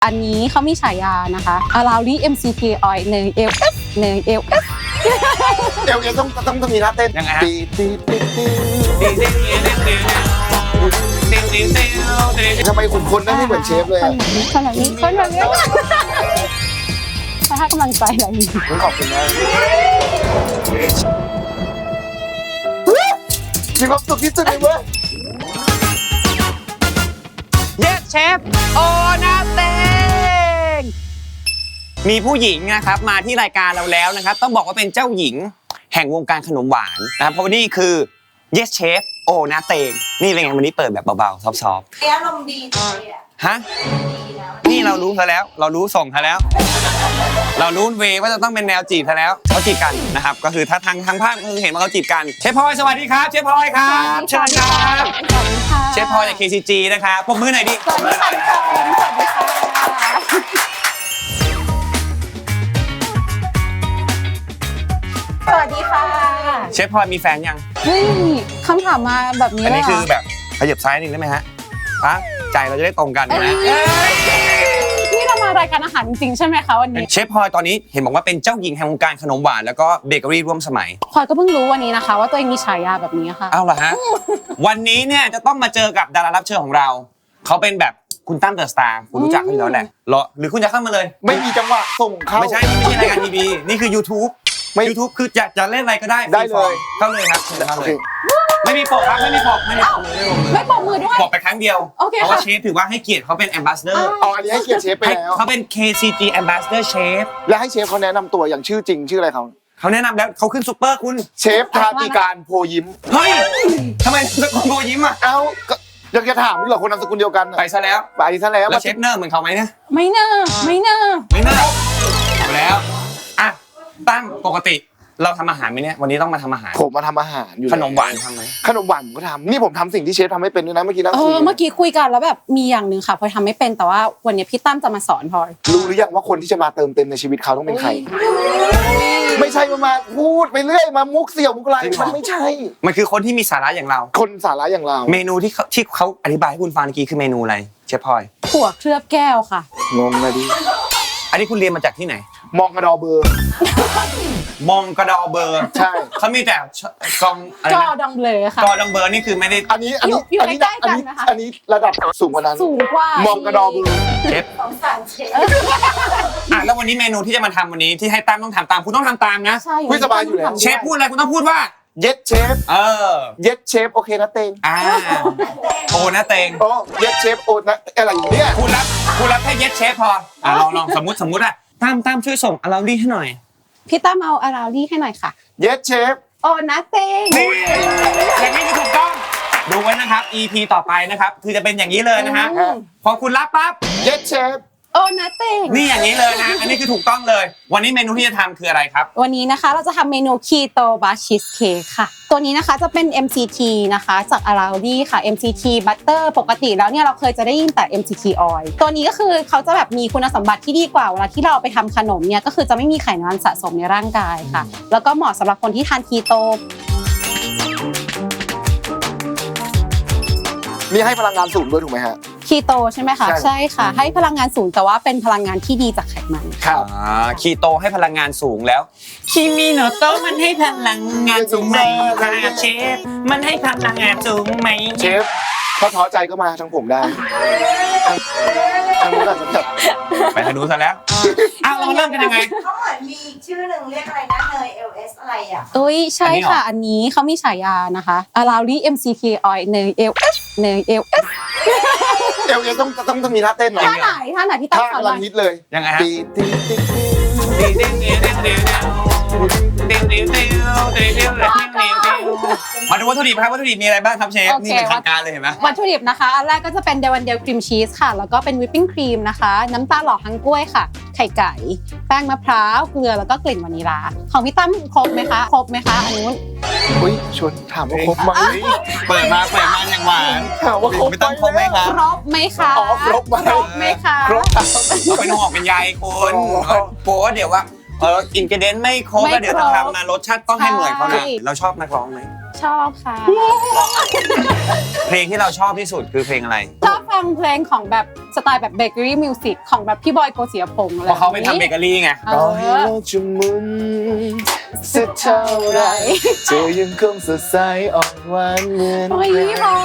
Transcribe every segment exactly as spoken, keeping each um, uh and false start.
อันนี้เขามีฉายานะคะอาราลี เอ็ม ซี ที Oil เนย เอล เอส เนย เอล เอสเอลเอต้องต้องต้องมีท่าเต้นยังไงฮะตีตีตีตี ทำไมขุนพลนั่นไม่เหมือนเชฟเลยอะคนแบบนี้คนแบบนี้เขาให้กำลังใจอะไรอย่างนี้ขอบคุณมากมีความสุขที่สุดเลยเว้ยเยสเชฟโอนาเตงมีผู้หญิงนะครับมาที่รายการเราแล้วนะครับต้องบอกว่าเป็นเจ้าหญิงแห่งวงการขนมหวานนะครับเพราะว่านี่คือ Yes Chef โอนาเตงนี่เป็นไงวันนี้เปิดแบบเบาๆซอฟต์อารมณ์ดีเลยอ่ะๆฮะนี่เรารู้ซะแล้วเรารู้ส่งซะแล้ว เรารู้เวว่าจะต้องเป็นแนวจีบซะแล้วเขาจีบกันนะครับก็คือถ้าทางทางภาพก็คือเห็นว่าเขาจีบกันเชฟพลอยสวัสดีครับเชฟพลอยครับเชิญครับสวัสดีค่ะเชฟพลอยจาก เค ซี จี นะครับปรบมือหน่อยดิสวัสดีค่ะทุกคนสวัสดีค่ะสวัสดีค่ะเชฟพลอยมีแฟนยังเฮ้ยคำถามมาแบบนี้อันเลนี้ยคือเหรอแบบขยับซ้ายนิดนึงได้ไหมฮะปะใจเราจะได้ตรงกันเอ้นะยนี่เรามารายการอาหารจริงๆใช่ไหมคะวันนี้เชฟพลอยตอนนี้เห็นบอกว่าเป็นเจ้าหญิงแห่งวงการขนมหวานแล้วก็เบเกอรี่ร่วมสมัยพลอยก็เพิ่งรู้วันนี้นะคะ ว่าตัวเองมีฉายาแบบนี้ค่ะเอาล่ะฮะ วันนี้เนี่ยจะต้องมาเจอกับดารารับเชิญของเรา เขาเป็นแบบคุณตั้มเดอะสตาร์คุณรู้จักเขาอยู่แล้วแหละเหรอหรือคุณจะเข้ามาเลยไม่มีจังหวะส่งเข้าไม่ใช่นี่ไม่ใช่รายการทีวีนี่คือ YouTube ไม่ YouTube คือจะจะเล่นอะไรก็ได้ได้เลยเข้าเลยครับเชิญเข้าโอเลเคยไม่มีปกครับไม่มีปกไม่มีปกเลยไม่มีปกเลยไม่ปรบมือด้วยบอกไปครั้งเดียวโอเคเพราะว่าค่ะเชฟถือว่าให้เกียรติเขาเป็น ambassador เอาอันนี้ให้เกียรติเชฟไปให้แล้วเขาเป็น เค ซี จี ambassador chef และให้เชฟเขาแนะนำตัวอย่างชื่อจริงชื่ออะไรเขาเขาแนะนำแล้วเขาขึ้นซุปเปอร์คุณเชฟทาติการโพยิ้มเฮ้ยทำไมตะโกนโบยิ้มอ่ะเอ้าก็ยังจะถามมึงเหรอคนนามสกุลเดียวกันน่ะไปซะแล้วไปซะแล้วแล้วเชฟเนอร์เหมือนเขาไหมเนี่ยไม่น่าไม่น่าไม่น่าเอาแล้วอ่ะตั้มปกติเราทำอาหารไหมเนี่ยวันนี้ต้องมาทำอาหารผมมาทำอาหารอยู่ขนมหวานทำไหมขนมหวานผมก็ทำนี่ผมทำสิ่งที่เชฟทำไม่เป็นด้วยนะเมื่อกี้นั่งเอคุยอเมื่อกี้คุยกันแล้วแบบมีอย่างหนึ่งค่ะพลอยทำไม่เป็นแต่ว่าวันนี้พี่ตั้มจะมาสอนพลอยรู้หรือยังว่าคนที่จะมาเติมเต็มในชีวิตเขาต้องเป็นใคร ไม่ใช่มามาพูดไปเรื่อยมามุกเสี่ยวมุกอะไรมันไม่ใช่มันคือคนที่มีสาระอย่างเราคนสาระอย่างเราเมนูที่เขาที่เขาอธิบายให้คุณฟังเมื่อกี้คือเมนูอะไรเชฟพลอยถั่วเคลือบแก้วค่ะงงเลยดิอันนี้คุณเรียนมาจากที่ไหนมองกระดอเบอร์มองกระดอเบอร์ใช่เขามีแต่กองอะไรจอนะดังเบลอค่ะกอดองเบอร์นี่คือไม่ได้อันนี้อันนี้อยู่อันนี้ใกล้ๆอันกันนี้นะคะอันนี้ระดับสูงกว่านั้นสูงกว่ามองกระดอเบอร์เชฟของสารเชฟอ่ะแล้ววันนี้เมนูที่จะมาทำวันนี้ที่ให้ตั้มต้องทำตามคุณต้องทำตามนะใช่คุยสบายอยู่แล้วเชฟพูดอะไรคุณต้องพูดว่าเย็ดเชฟเออเย็ดเชฟโอเคนะเตงอ่าโอนะเตงโอ้เย็ดเชฟโอนะอะไรอยู่เนี่ยคุณรับคุณรับแค่เย็ดเชฟพออ่ะลองลองสมมติสมมติอ่ะตั้มตั้มช่วยส่งอาราลี่ให้หน่อยพี่ตั้มเอาอาราลี่ให้หน่อยค่ะเย็ดเชฟโอนะเตงนี่อย่างนี้คือถูกต้องดูไว้นะครับ อี พี ต่อไปนะครับคือจะเป็นอย่างนี้เลยนะฮะอืมพอคุณรับปั๊บเย็ดเชฟโอนะเตงนี่อย่างนี้เลยนะอันนี้คือถูกต้องเลย วันนี้เมนูที่จะทำคืออะไรครับวันนี้นะคะเราจะทำเมนูคีโตบาชีสเค้กค่ะ ตัวนี้นะคะจะเป็น เอ็ม ซี ที นะคะจากอาราลี่ค่ะ เอ็ม ซี ที Butter ปกติแล้วเนี่ยเราเคยจะได้ยินแต่ เอ็ม ซี ที Oil ตัวนี้ก็คือเขาจะแบบมีคุณสมบัติที่ดีกว่าเวลาที่เราเอาไปทำขนมเนี่ยก็คือจะไม่มีไขมันสะสมในร่างกายค่ะ แล้วก็เหมาะสำหรับคนที่ทานคีโตนี่ให้พลังงานสูงด้วยถูกไหมฮะคีโตใช่ไหมคะใช่ใช่ค่ะ ให้พลังงานสูงแต่ว่าเป็นพลังงานที่ดีจากไขมันครับอ่าคีโตให้พลังงานสูงแล้วคิมิโนโตะมันให้พลังงานสูงไหมคะเชฟมันให้พลังงานสูงไหมเชฟถ้าท้อใจก็มาทางผมได้ทางนู้นอาจจะแบบไปทางนู้นซะแล้วอ้าวเราเริ่มกันยังไงเขาเหมือนมีอีกชื่อหนึ่งเรียกอะไรนะเนย เอล เอส อะไรอ่ะเอ้ยใช่อันนี้เหรอค่ะ อันนี้เขามีฉายานะคะอาราลี่ เอ็ม ซี ที Oil เนย เอล เอส เนย เอล เอสเอลเอต้องต้องต้องมีท่าเต้นหน่อยท่าไหนท่าไหนที่ตั้งท่าสอนกำหลัน่งอยฮิตเลยยังไงฮะตีตีตีตีมาดูวัตถุดิบครับวัตถุดิบมีอะไรบ้างครับเชฟโอเคนี่เป็นทางการเลยเห็นไหมวัตถุดิบนะคะ อันแรกก็จะเป็นเดวันเดลครีมชีสค่ะ แล้วก็เป็นวิปปิ้งครีมนะคะ น้ำตาลหล่อฮังกล้วยค่ะ ไข่ไก่ แป้งมะพร้าว เกลือ แล้วก็กลิ่นวานิลา ของพี่ตั้มครบไหมคะ ครบไหมคะอันนู้นอุ้ยชวนถามว่าครบไหมเปิดมาเปิดมาอย่างหวานถามว่าครบไม่ต้องครบไหมครับครบไหมคะอ๋อครบไหมครบไหมคะครบครับเราเป็นห่วงเป็นใยคุณโป๊เดี๋ยวว่าเอออินกิเดนไม่ครบแล้วเดี๋ยวจะทำมารสชาติต้องให้เหมือนเขานะเราชอบนักร้องไหมชอบค่ะเพลงที่เราชอบที่สุดคือเพลงอะไรชอบฟังเพลงของแบบสไตล์แบบเบเกอรี่มิวสิกของแบบพี่บอยโกศิยพงษ์อะไรเพราะเขาไปทำเบเกอรี่ไงเอต่อให้อโลกจะหมุนสักเท่าไรเธอยังคงสดใสอ่อนหวานเหมือนโอ้ยใครพอ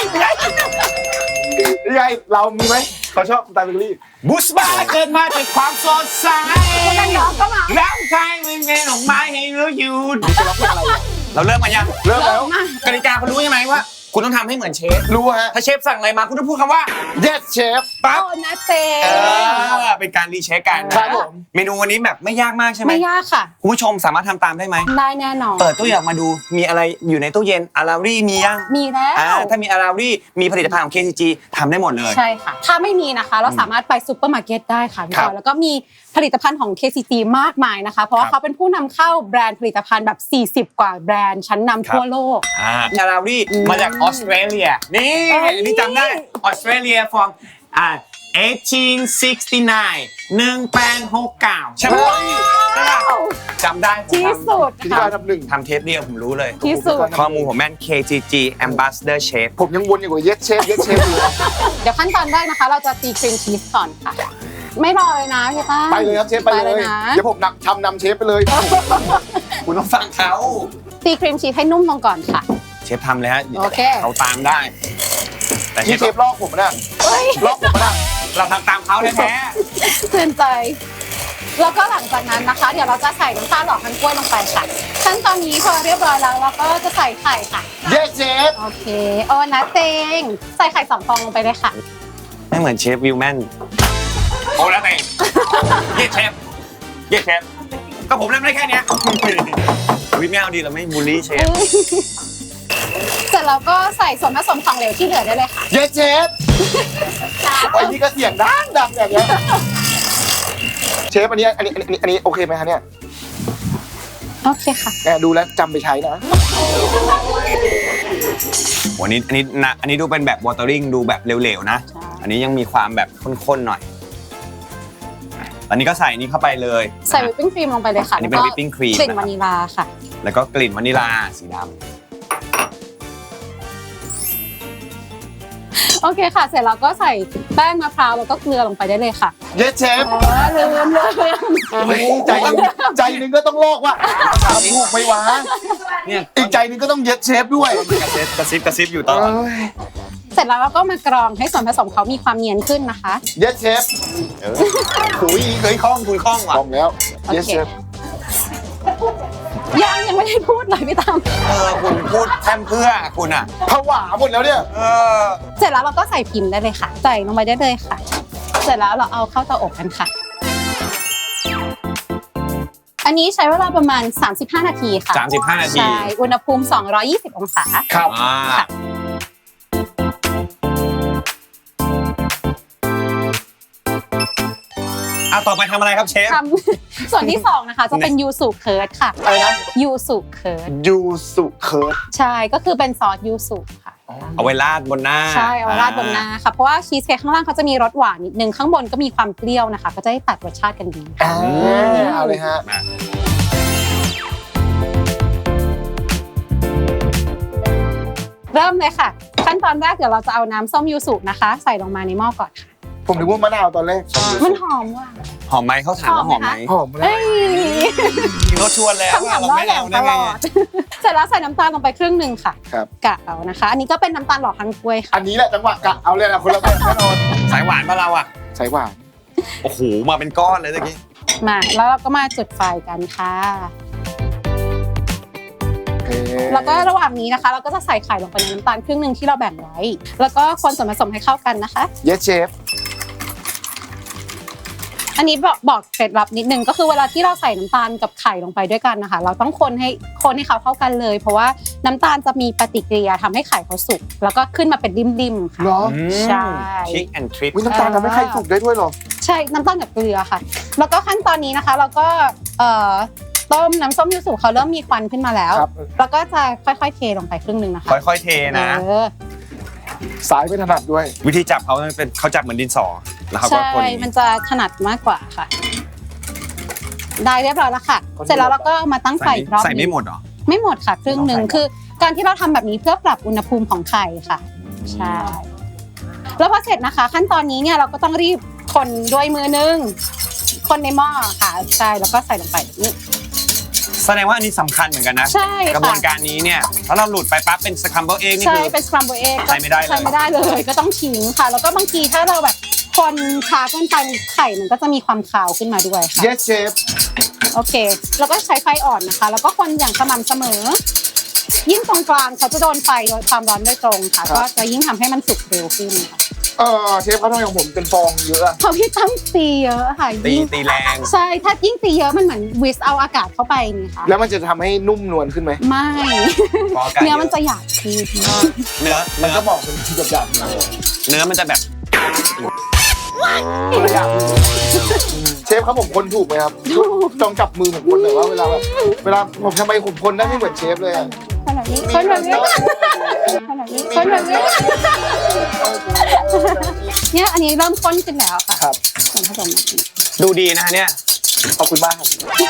ยังไงเรามีไหมเขาชอบสไตล์เบเกอรี่บุสบาเกิดมาจากความสดใสกันน้องก็มาร่างกายมันเป็นดอกไม้ให้รู้อยู่จะร้องเพลงอะไรอ่ะเราเริ่มมายังเริ่มแล้วมากติกาคุณรู้ใช่ไหมว่า คุณต้องทำให้เหมือนเชฟรู้ฮะถ้าเชฟสั่งอะไรมาคุณต้องพูดคำว่า yes chef ปั๊บโอ้นาเต้เออเป็นการรีเช็คกันครับผมเมนูวันนี้แบบไม่ยากมากใช่ไหมไม่ยากค่ะคุณผู้ชมสามารถทำตามได้ไหมได้แน่นอนเปิดตู้เย็นออกมาดูมีอะไรอยู่ในตู้เย็นอารารี่มียังมีแล้วอ่าถ้ามีอารารี่มีผลิตภัณฑ์ของ เค ซี จี ทำได้หมดเลยใช่ค่ะ ถ้าไม่มีนะคะ เราสามารถไปซูเปอร์มาร์เก็ตได้ค่ะพี่ครับบอยแล้วก็มีผลิตภัณฑ์ของ เค ซี จี มากมายนะคะ เพราะว่าครับเขาเป็นผู้นำเข้าแบรนด์ผลิตภัณฑ์แบบ สี่สิบ กว่าแบรนด์ชั้นนำทั่วโลกอ่าอารารี่อืมมาจากออสเตรเลียนี่เอ้ยอันนี้จำได้ออสเตรเลีย from อ่าเอที หนึ่งแปดหกเก้าใช่ไหมใช่ปะจำได้ผมที่ทำสุดพิธีค่ะการทำหนึ่งทำเทปเดียวผมรู้เลยที่สุดข้อมูลผมแม่น เค จี จี Ambassador Chef ผมยังวนอยู่กับ yes chef yes chef อยู่เลยเดี๋ยวขั้นตอนแรกนะคะ เราจะตีครีมชีสก่อนค่ะ ไม่รอเลยนะพี่ป้าไปเลยครับเชฟไปเลยนะเดี๋ยวผมนำทำนำเชฟไปเลยคุณต้องฟังเขาตีครีมชีสให้นุ่มลงก่อนค่ะเชฟทำเลยฮะโอเคเขาตามได้ แต่เชที่ฟเชฟลอกผมนะเฮ้ยลอกผมนะเราทำตามเขาแท้เตือนใจ แล้วก็หลังจากนั้นนะคะ เดี๋ยวเราจะใส่น้ำตาลหล่อทั้งกล้วยลงไปค่ะขั้นตอนนี้พอเรียบร้อยแล้วเราก็จะใส่ไข่ค่ะ yes chef โอเค โอ้นะเตง ใส่ไข่สองฟองลงไปเลยค่ะไม่เหมือนเชฟวิลแมนโอ้แล้วไงเย้เชฟเย้เชฟก็ผมทำได้แค่เนี้ยวิไม่เอาดีเราไม่บูลลี่เชฟเสร็จแล้วก็ใส่ส่วนผสมของเหลวที่เหลือได้เลยค่ะ yes chef ไอ้นี่ก็เสียงดังดังอย่างเงี้ยเชฟอันนี้อันนี้อันนี้อันนี้โอเคไหมคะเนี่ยโอเคค่ะแอบดูแล้วจำไปใช้นะวันนี้อันนี้นะอันนี้ดูเป็นแบบวอเตอริงดูแบบเหลวๆนะใช่อันนี้ยังมีความแบบข้นๆหน่อย อันนี้ก็ใส่นี่เข้าไปเลยใส่วิปปิ้งครีมลงไปเลยค่ะอันนี้เป็นแล้วก็ whipping cream กลิ่นนะครับวานิลาค่ะแล้วก็กลิ่นวานิลาสีดโอเคค่ะ เสร็จแล้วก็ใส่แป้งมะพร้าวแล้วก็เกลือลงไปได้เลยค่ะ yes chef อ๋อลืมลืมลืมเฮ้ยใจหนึงใจหนึงก็ต้องลอกว่าทำถูกไหมวะำเนี่ยอีกใจหนึงก็ต้อง yes chef ด้วยกระซิบกระซิบกระซิบอยู่ตลอดเอ้ยเสร็จแล้วเราก็มากรองให้ส่วนผสมเขามีความเนียนขึ้นนะคะ yes chef เออหุยเคยคล่องคุณคล่องว่ะคล่องแล้ว yes โอเค chef ยังยังไม่ได้พูดเลยพี่ตั้มเออคุณพูดแทมเพื่อคุณอ่ะผวาหมดแล้วเนี่ยเออเสร็จแล้วเราก็ใส่พิมพ์ได้เลยค่ะ ใส่ลงไปได้เลยค่ะ เสร็จแล้วเราเอาเข้าเตาอบกันค่ะ อันนี้ใช้เวลาประมาณ สามสิบห้า นาทีค่ะสามสิบห้านาทีใช่ อุณหภูมิ สองร้อยยี่สิบ องศาครับอ่าค่ะอ่ะต่อไปทำอะไรครับเชฟทำ ส่วนที่สองนะคะ จะเป็นยูสุเคิร์ดค่ะอะไรนะยูสุเคิร์ดยูสุเคิร์ดใช่ ก็คือเป็นซอสยูสุค่ะเอาไว้ราดบนหน้าใช่ เอาราดบนหน้าค่ะ เพราะว่าชีสเค้กข้างล่างเขาจะมีรสหวานนิดนึง ข้างบนก็มีความเปรี้ยวนะคะ ก็จะได้ตัดรสชาติกันดีอ่าเอาเลยฮะมาเริ่มเลยค่ะ ขั้นตอนแรกเดี๋ยวเราจะเอาน้ำส้มยูสุนะคะ ใส่ลงมาในหม้อก่อนค่ะผมนึกว่ามะนาวตอนแรกมันหอมว่ะหอมไหมเขาถามว่าหอมไหมหอมแล้วเอ้ยเขาชวนแล้วคำว่าถามเราล่อไม่แหลเอามได้ตไงลออะด เสร็จแล้วใส่น้ำตาลลงไปครึ่งหนึ่งค่ะครับกะเอานะคะ อันนี้ก็เป็นน้ำตาลหล่อทั้งกล้วยค่ะอันนี้แหละจังหวะกะเอาเลยนะคนละแบบแน่นอนสายหวานปะเราอ่ะใส่หวานโอ้โห มาเป็นก้อนเลยตะกี้มา แล้วเราก็มาจุดไฟกันค่ะโอเคแล้วก็ระหว่างนี้นะคะ เราก็จะใส่ไข่ลงไปในน้ำตาลครึ่งหนึ่งที่เราแบ่งไว้ แล้วก็คนส่วนผสมให้เข้ากันนะคะ yes chef อันนี้บอกบอกเคล็ดลับนิดนึงก็คือเวลาที่เราใส่น้ำตาลกับไข่ลงไปด้วยกันนะคะ เราต้องคนให้คนให้เขาเข้ากันเลย เพราะว่าน้ำตาลจะมีปฏิกิริยาทำให้ไข่เขาสุกแล้วก็ขึ้นมาเป็นริมๆค่ะเหรอใช่ทิกแอนทริปวิน้ำตาลทำให้ไข่สุกได้ด้วยเหรอใช่น้ำตาลกับเกลือค่ะ แล้วก็ขั้นตอนนี้นะคะ เราก็เอ่อต้มน้ำส้มยูสุเขาเริ่มมีควันขึ้นมาแล้วครับแล้วก็จะค่อยๆเทลงไปครึ่งหนึ่งนะคะค่อยๆเทนะเออสายไม่ถนัดด้วยวิธีจับเขาเป็นเขาจับเหมือนดินสอ แล้วเขาก็ใช่คนอย่างมันนี้จะถนัดมากกว่าค่ะ ได้เรียบร้อยแล้วค่ะคนเดียวเสร็จแล้วเราก็เอามาตั้งไฟใส่อีกรอบใส่ไม่นึงหมดเหรอไม่หมดค่ะครึ่งหนึ่งไม่ต้องใส่คือการที่เราทำแบบนี้เพื่อปรับอุณหภูมิของไข่ค่ะใช่แล้วพอเสร็จนะคะขั้นตอนนี้เนี่ยเราก็ต้องรีบคนด้วยมือนึงคนในหม้อค่ะใช่แล้วก็ใส่ลงไปแบบนี้แสดงว่าอันนี้สำคัญเหมือนกันนะใช่ค่ะกระบวนการนี้เนี่ยถ้าเราหลุดไปปั๊บเป็นสครัมเบิลเอ็กนี่ใช่คือเป็นสครัมเบิลเอ็กใช้ไม่ได้เลยใช้ไม่ได้เลยก็ต้องทิ้งค่ะ แล้วก็บางทีถ้าเราแบบคนช้าเกินไปไข่มันก็จะมีความคาวขึ้นมาด้วยค่ะ yes chef โอเคแล้วก็ใช้ไฟอ่อนนะคะ แล้วก็คนอย่างสม่ำเสมอ ยิ่งตรงกลางเขาจะโดนไฟโดยความร้อนโดยตรงค่ะครับก็จะยิ่งทำให้มันสุกเร็วขึ้นค่ะเออเชฟเขาทำไมของผมเป็นฟองเยอะอะเพราะพี่ตั้มตีเยอะค่ะตียิ่งตีแรงใช่ถ้ายิ่งตีเยอะมันเหมือนวิสเอาอากาศเข้าไปนี่ค่ะแล้วมันจะทำให้นุ่มนวลขึ้นไหมไม่พออากาศเนื้อเยมันอะจะหยาบขึ้นเนื้อมัเนื้นอก็บอกเป็นที่หยาบๆเลยเนื้อมันจะแบบตัวอย่างเชฟครับผมคนถูกไหมครับจองจับมือผมคนหน่อยว่าเวลาแบบเวลาผมทำไมผมคนได้ไม่เหมือนเชฟเลยอะขนาดนี้คนแบบนี้ขนาดนี้คนแบบนี้เนี่ยอันนี้เริ่มข้นขึ้นแล้วค่ะครับส่วนผสมแบบนี้ดูดีนะฮะเนี่ยขอบคุณมากครับ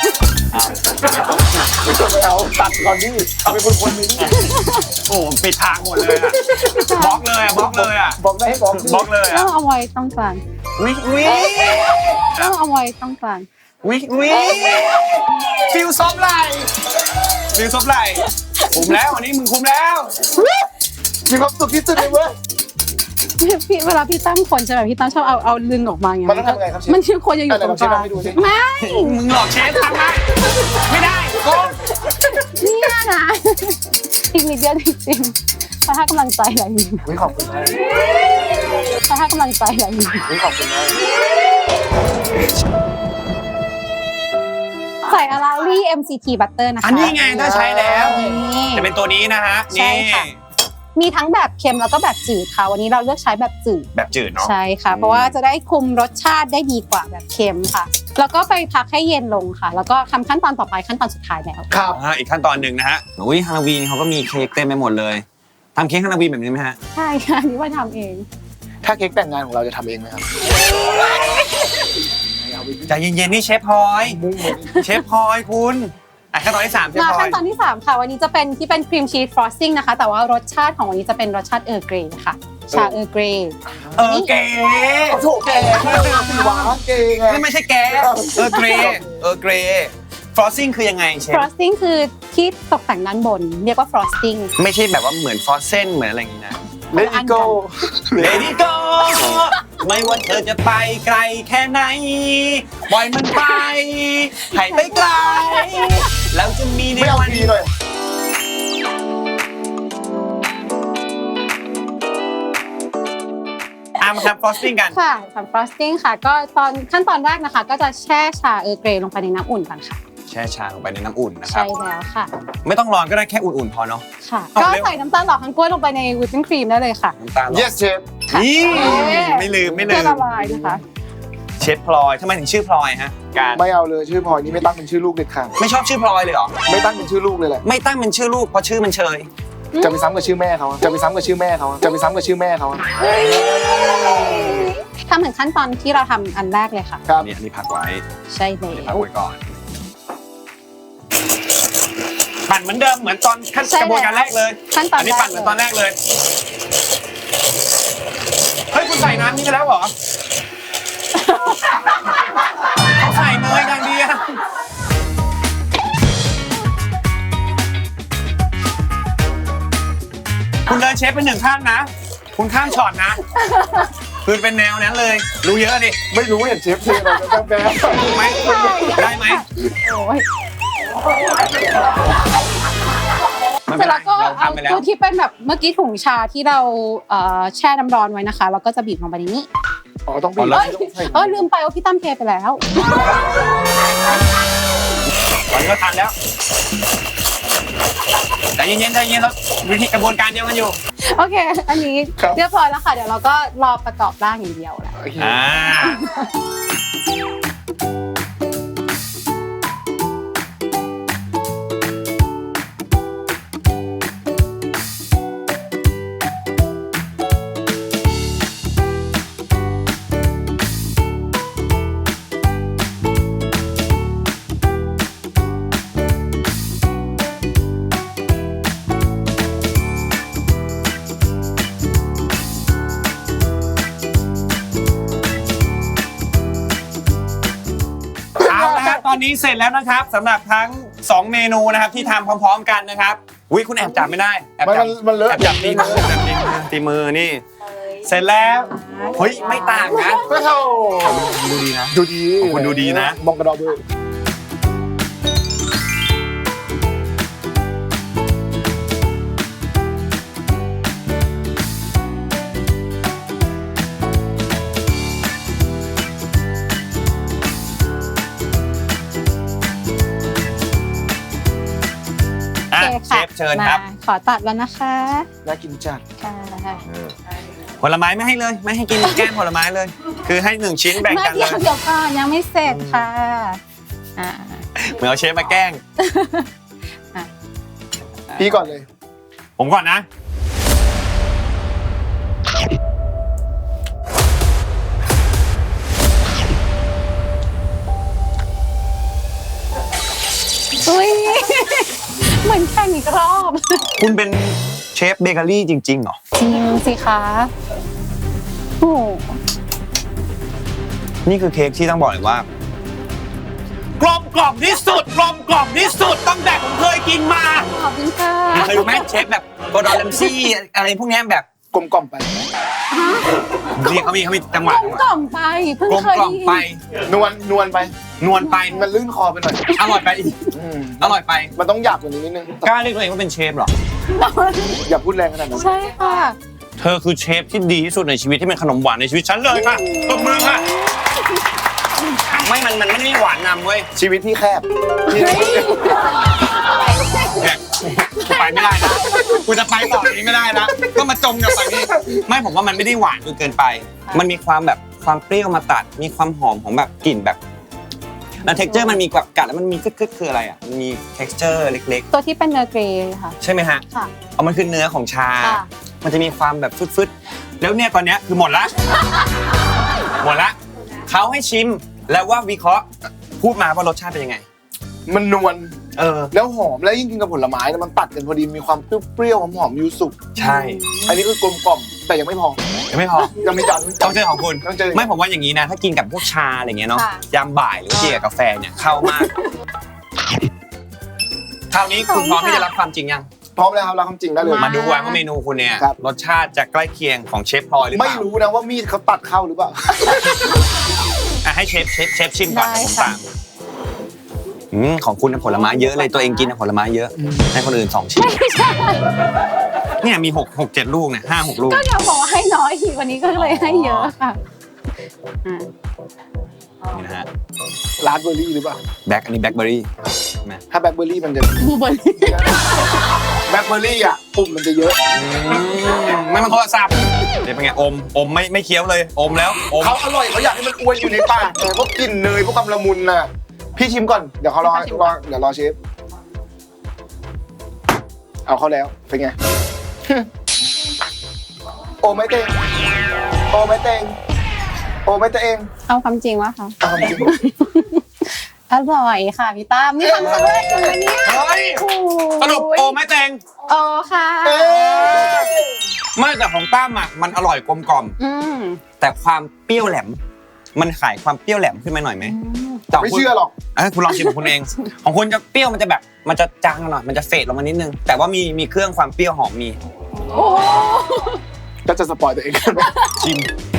เอาตัดก่อนดิเอาเป็นคนๆไปดิโอ้โหปิดทางหมดเลยอะบล็อกเลยอะบล็อกเลยอะบอกได้ให้บอกดิบล็อกเลยต้อะองเอาไว้ต้องกลางวิวิต้องเอาไว้ต้องกลางวิวิฟิลซบไหลฟิลซบไหลคุมแล้ววันนี้มึงคุมแล้วมีความสุขที่สุดเลยเว้ยพี่เวลาพี่ตั้มคนใช่ไหมพี่ตั้มชอบเอาเอาลึงออกมาไงมันต้องทำไงครับเชฟมันชื่อคนจะอยู่ตรงกลางไหนลองเชฟทำให้ดูสิไม่มึงหลอกเชฟทำไหมไม่ได้โกงเนี่ยนะอีกนิดเดียวจริงๆถ้าให้กำลังใจอะไรอย่างนี้วิขอบคุณมากถ้าให้กำลังใจอะไรอย่างนี้วิขอบคุณมากใส่อาราลี่ เอ็ม ซี ที Butter นะคะอันนี้ไงถ้าใช้แล้วนี่จะเป็นตัวนี้นะฮะใช่นี่ค่ะ มีทั้งแบบเค็มแล้วก็แบบจืดค่ะ วันนี้เราเลือกใช้แบบจืดแบบจืดเนาะใช่ค่ะ เพราะว่าจะได้คุมรสชาติได้ดีกว่าแบบเค็มค่ะ แล้วก็ไปพักให้เย็นลงค่ะ แล้วก็ทำขั้นตอนต่อไปขั้นตอนสุดท้ายแล้วครับอ่าอีกขั้นตอนหนึ่งนะฮะอุ้ยฮาโลวีนเขาก็มีเค้กเต็มไปหมดเลยทำเค้กฮาโลวีนแบบนี้ไหมฮะใช่ค่ะอันนี่ว่าทำเองถ้าเค้กแต่งงานของเราจะทำเองไหมครับใจเย็นๆนี่เชฟพลอยมุ่งเลยเชฟพลอยคุณอ่ะขั้นตอนที่สามเชฟมาพลอขั้ยนตอนที่สามค่ะ วันนี้จะเป็นที่เป็นครีมชีสฟรอสติ้งนะคะ แต่ว่ารสชาติของวันนี้จะเป็นรสชาติเออร์เกรย์ค่ะ ชาเออร์เกรย์เออเก๋โอ้โหแกหวานเก่งไงนี่ไม่ใช่แกเออเกรเออเกรฟรอสซิ่งคือยังไงเชฟฟรอสติ้งคือที่ตกแต่งด้านบน เรียกว่าฟรอสติ้งไม่ใช่แบบว่าเหมือนฟรอสเซนเหมือนอะไรอย่างนี้นะเลดี้โก้ Lady Go ไม่ว่าเธอจะไปไกลแค่ไหนปล่อยมันไปให้ไปไกลแล้วจะมีในไม่เอาวันดีเลยอ่ะมาทำฟรอสติ้งกันค่ะทำฟรอสติ้งค่ะ ก็ตอนขั้นตอนแรกนะคะ ก็จะแช่ชาเออร์เกรย์ลงไปในน้ำอุ่นก่อนค่ะแช่ชาลงไปในน้ำอุ่นนะครัใช่บแล้วค่ะไม่ต้องร้อนก็ได้แค่อุ่นๆพอเนาะค่ะเอาก็เร็วใส่น้ำตาลหล่อทั้งกล้วยลงไปในวิปปิ้งครีมได้เลยค่ะน้ำตาลหรอ yes chef นี่เอ๊ะไม่ลืมไม่ลืเพื่อมละลายนะคะเชฟพลอยทำไมถึงชื่อพลอยฮะการไม่เอาเลยชื่อพลอยนี่ไม่ตั้งเป็นชื่อลูกเด็ดขาดไม่ชอบชื่อพลอยเลยเหรอไม่ตั้งเป็นชื่อลูกเลยแหละไม่ตั้งเป็นชื่อลูกเพราะชื่อมันเชยจะไปซ้ำกับชื่อแม่เขาจะไปซ้ำกับชื่อแม่เขาจะไปซ้ำกับชื่อแม่เขาทำถึงขั้นตอนที่เราทำอันแรกเลยค่ะครับนี่อันนี้พักไว้ใช่แล้พักวไว้ก่อน ปั่นเหมือนเดิมเหมือนตอนขั้นใช่กระบวนการแรกเลยขั้นตอนอันนี้ปั่นเหมือนตอนแรกเลย เฮ้ยคุณใส่น้ำนี่ไปแล้วเหรอเขาใส่เนยอย่างเดียวคุณเดินเชฟเป็นหนึ่งขั้นนะ คุณข้ามช็อตนะคือเป็นแนวนั้นเลย รู้เยอะดิไม่รู้เห็นเชฟเทเราจะแบบถูกไหมได้ไหมโอ้ยไม่เสเป็ร็นจไรแล้วก็เราเอาทำไปแล้วตัวที่เป็นแบบเมื่อกี้ถุงชาที่เราเอ่อแช่น้ำร้อนไว้นะคะ แล้วก็จะบีบลงไปในนี้อ๋อต้องบีเอ้ยต้องใส่เออลืมไปว่าพี่ตั้มเทไปแล้วตอนนี้ก็ทันแล้วใจเย็นๆใจเย็นแล้ววิธีกระบวนการเดียวกันอยู่โอเค อันนี้เรียบร้อยแล้วค่ะ เดี๋ยวเราก็รอประกอบร่างอย่างเดียวแล้วโอเคอ่าตอนนี้เสร็จแล้วนะครับสำหรับทั้งสองเมนูนะครับที่ทำพร้อมๆกันนะครับอุ้ยคุณแอบจับไม่ได้แอบมันจับมันเลอะแอบจับตีมือแอบจับตีมือตีมือนี่ เสร็จแล้วเฮ้ยไม่ต่างนะก็เท่าดูดีนะดูดีของคุณดูดีนะมองกระดอกด้วยอ่ะโอเชฟเชิญครับมาขอตัดแล้วนะคะน่ากินจัดค่ะผลไม้ไม่ให้เลย ไม่ให้กินแก้มผลไม้เลย คือให้หนึ่งชิ้นแบ่งกันเลเดี๋ยวย เดี๋ยวก่อนยังไม่เสร็จค่ะอ่าเหมือนเอาเชฟมาแกล้งพี่ก่อนเลยผมก่อนนะอุ้ยเหมือนแข่งอีกรอบคุณเป็นเชฟเบเกอรี่จริงๆเหรอจริงสิคะโอ้โหนี่คือเค้กที่ต้องบอกเลยว่า กลมกล่อมที่สุด กลมกล่อมที่สุดตั้งแต่ผมเคยกินมาขอบคุณค่ะเคยดูไหมเชฟแบบโกดอนแรมซี่อะไรพวกเนี้ยแบบกลมกล่อมไปนี่เขามีเขามีจังหวะกลมกล่อมไปเพิ่งกลมเคยกล่อมไปนวลนวลไปนวลไปมันลื่นคอไปหน่อยอร่อยไปอีกอืมอร่อยไปมันต้องหยาบกว่านี้นิดนึงกล้าเรียกตัวเองว่าเป็นเชฟเหรออย่าพูดแรงขนาดนั้นใช่ค่ะเธอคือเชฟที่ดีที่สุดในชีวิตที่เป็นขนมหวานในชีวิตฉันเลยค่ะตบมือค่ะ ไม่ มัน มันไม่ได้หวานนำเว้ยชีวิตที่แคบที่เนี่ยกูไปไม่ได้นะ กูจะไปต่อนี้ไม่ได้นะ ก็มาจมกับฝั่งนี้ ไม่ผมว่ามันไม่ได้หวานจนเกินไป มันมีความแบบความเปรี้ยวมาตัด มีความหอมของแบบกลิ่นแบบแล้ว texture มันมีแบบกัดแล้วมันมีกึกๆคืออะไรอ่ะ มันมี texture เล็กตัวที่เป็นเนื้อเกรย์ค่ะๆ ใช่ไหมฮะค่ะเอามันคือเนื้อของชาค่ะมันจะมีความแบบฟึดๆ แล้วเนี่ยตอนเนี้ยคือหมดละ หมดละ เขาให้ชิมแล้วว่าวิเคราะห์พูดมาว่ารสชาติเป็นยังไงมันนวลเออแล้วหอมแล้วยิ่งกินกับผลไม้นะมันตัดกันพอดีมีความเปรี้ยวๆหอมๆยูสุใช่อันนี้คือกลมกล่อมแต่ยังไม่พอยังไม่พอยังมีจานต้องเจอของคุณต้องเจอไม่ผมว่าอย่างนี้นะ ถ้ากินกับพวกชาอะไรเงี้ยเนาะค่ะยามบ่ายหรือว่ากินกับกาแฟเนี่ยเข้ามากคราวนี้คุณพร้อมที่จะรับความจริงยังพร้อมแล้วครับรับคำจริงได้เลยมาดูว่าเมนูคุณเนี่ยครับรสชาติจะใกล้เคียงของเชฟพลอยหรือเปไม่ล่ารู้นะว่ามีดเขาตัดเข้าหรือเปล่าอ่ะให้เชฟเชฟเชฟชิมก่อนได้ผมค่ะตามอืมของคุณน่ะผลไม้เยอะเลยตัวเองกินน่ะผลไม้เยอะให้คนอื่นสองชิ้นเนี่ยมีหกหกเจ็ดลูกเนี่ยห้าหกลูกก็เดี๋ยวบอกว่าให้น้อยอีกวันนี้ก็เลยให้เยอะค่ะอ่านี่นะฮะราสเบอร์รี่หรือเปล่าแบ็คอันนี้แบ็คเบอร์รี่ถ้าแบล็คเบอร์รี่มันจะบลูเบอร์รี่แบล็คเบอร์รี่อ่ะปุ่มมันจะเยอะไม่มันโทรศัพท์เดี๋ยวเป็นไงอมอมไม่ไม่เคี้ยวเลยอมแล้วอมเขาอร่อยเขาอยากให้มันอวนอยู่ในปากแต่พวกกลิ่นเนยพวกความละมุนน่ะพี่ชิมก่อนเดี๋ยวเขารอรอเดี๋ยวรอเชฟเอาเข้าแล้วเป็นไง โอไม่เต็งโอไม่เต็งโอไม่เต็งเอาความจริงวะคะเอาจริงอร่อยค่ะพี่ตั้มนี่ทำครั้งแรกเลยเนี่ยเฮ้ยสรุปโอไม่แตงโอ้ค่ะเอ้ยไม่แต่ของตั้มอ่ะมันอร่อยกลมกล่อมอืมแต่ความเปรี้ยวแหลม มันขายความเปรี้ยวแหลมขึ้นมาหน่อยไหมแต่ขงไม่คุณเชื่อหรอกเอ้ยคุณลองชิมของคุณเอง ของคุณจะเปรี้ยวมันจะแบบมันจะจางหน่อยมันจะเฟดลงมานิดนึงแต่ว่ามีมีเครื่องความเปรี้ยวหอมมีโอ้ก็จะสปอยตัวเองกันไหมชิม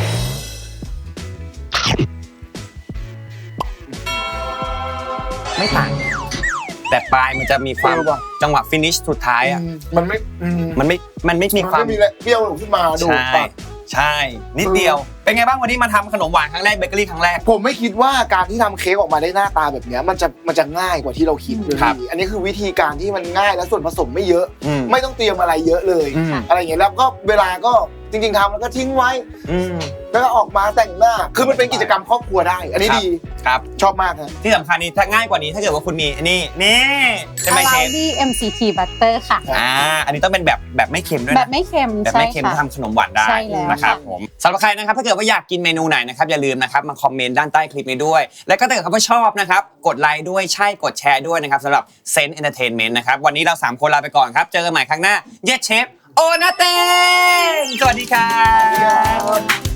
ไม่ต่างแต่ปลายมันจะมีความจังหวะฟินิชสุดท้ายอ่ะอืมมันไม่อืมมันไม่มันไม่มีมันความไม่มีอะไรเปรี้ยวขึ้นมาดูใช่ปากใช่นิดเดียวเป็นไงบ้างวันนี้มาทำขนมหวานครั้งแรกเบเกอรี่ครั้งแรกผมไม่คิดว่าการที่ทำเค้กออกมาได้หน้าตาแบบเนี้ยมันจะมันจะง่ายกว่าที่เราคิดเลยครับอันนี้คือวิธีการที่มันง่ายและส่วนผสมไม่เยอะอืมไม่ต้องเตรียมอะไรเยอะเลยอืมอะไรอย่างเงี้ยแล้วก็เวลาก็จริง ๆทำแล้วก็ทิ้งไว้อืมแล้วก็ออกมาแต่งหน้า คือมันเป็นกิจกรรมครอบครัวได้ อันนี้ครับดีครับชอบมากครับที่สำคัญนี้ถ้าง่ายกว่านี้ถ้าเกิดว่าคุณมีอันนี้นี่ใช่ไหมอาเชราฟดี้ เอ็ม ซี ที Butter ค่ะอ่าอันนี้ต้องเป็นแบบแบบไม่เค็มด้วยแบนะบไม่เค็มแบบใช่ไม่เค็มค่ะทำขนมหวานได้ใช่แล้วนะครับค่ะผมสำหรับใครนะครับถ้าเกิดว่าอยากกินเมนูไหนนะครับอย่าลืมนะครับมาคอมเมนต์ด้านใต้คลิปนี้ด้วย แล้วก็ถ้าเกิดว่าชอบนะครับกดไลค์ด้วยใช่กดแชร์ด้วยนะครับสำหรับเซนต์เอนเตอร์เทนเมนต์นะครับวันนี้เราสามคนลาไปก่อนครับเจอกันใหม่ครั้งหน้าเยสเชฟโอนาเต้งสวัสดีครับ